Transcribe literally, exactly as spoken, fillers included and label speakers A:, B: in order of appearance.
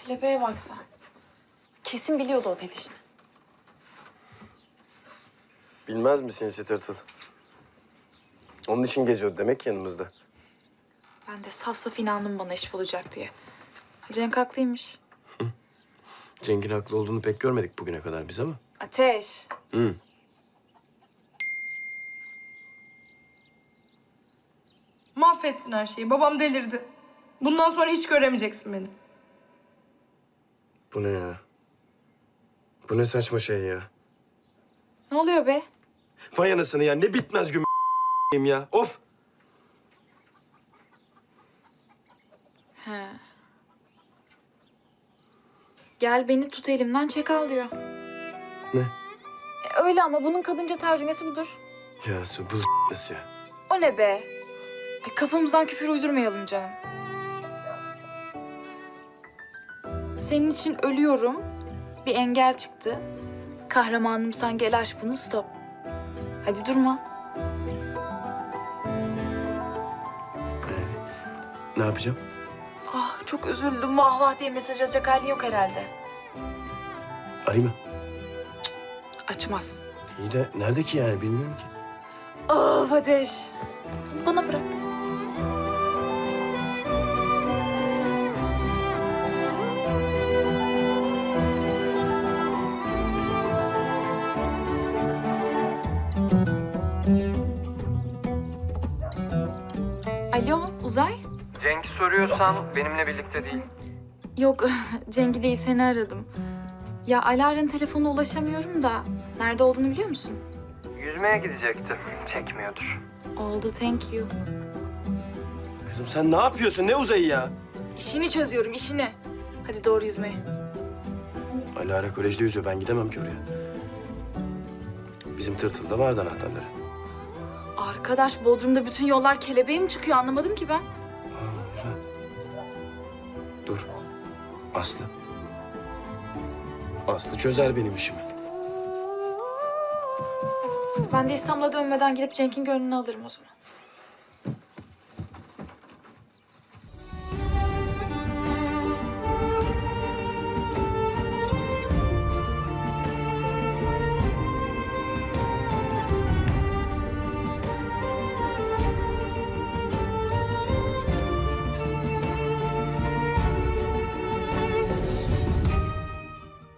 A: Kelebeğe baksan. Kesin biliyordu otel işini.
B: Bilmez misin sinsi tırtıl? Onun için geziyordu demek ki yanımızda.
A: Ben de saf saf inandım bana iş bulacak diye. Cenk haklıymış.
B: Cenk'in haklı olduğunu pek görmedik bugüne kadar biz ama.
A: Ateş.
B: Hı.
C: Mahvettin her şeyi. Babam delirdi. Bundan sonra hiç göremeyeceksin beni.
B: Bu ne ya? Bu ne saçma şey ya?
A: Ne oluyor be?
B: Vay anasını ya, ne bitmez güm ya. Of!
A: He. Gel beni tut elimden çek al diyor.
B: Ne?
A: E, öyle ama bunun kadınca tercümesi budur.
B: Ya su bu nasıl ya?
A: O ne be? Ay, kafamızdan küfür uydurmayalım canım. Senin için ölüyorum. Bir engel çıktı. Kahramanım sen gel aç bunu stop. Hadi durma.
B: Ne yapacağım?
A: Ah çok üzüldüm. Vah vah diye mesaj atacak halin yok herhalde.
B: Arayayım mı?
A: Açmaz.
B: İyi de nerede ki yani, bilmiyorum ki.
A: Of Ateş. Bana bırak. Alo Uzay?
D: Cenk'i soruyorsan benimle birlikte değil.
A: Yok Cenk'i değil seni aradım. Ya Alara'nın telefonuna ulaşamıyorum da nerede olduğunu biliyor musun?
D: Yüzmeye gidecekti. Çekmiyordur.
A: Oldu thank you.
B: Kızım sen ne yapıyorsun? Ne uzayı ya?
A: İşini çözüyorum işini. Hadi doğru yüzmeye.
B: Alara kolejde yüzüyor. Ben gidemem ki oraya. Bizim tırtılda vardı anahtarları.
A: Arkadaş Bodrum'da bütün yollar kelebeğe mi çıkıyor anlamadım ki ben.
B: Aa, öyle. Dur. Aslı. Aslı çözer benim işimi.
A: Ben de İstanbul'a dönmeden gidip Cenk'in gönlünü alırım o zaman.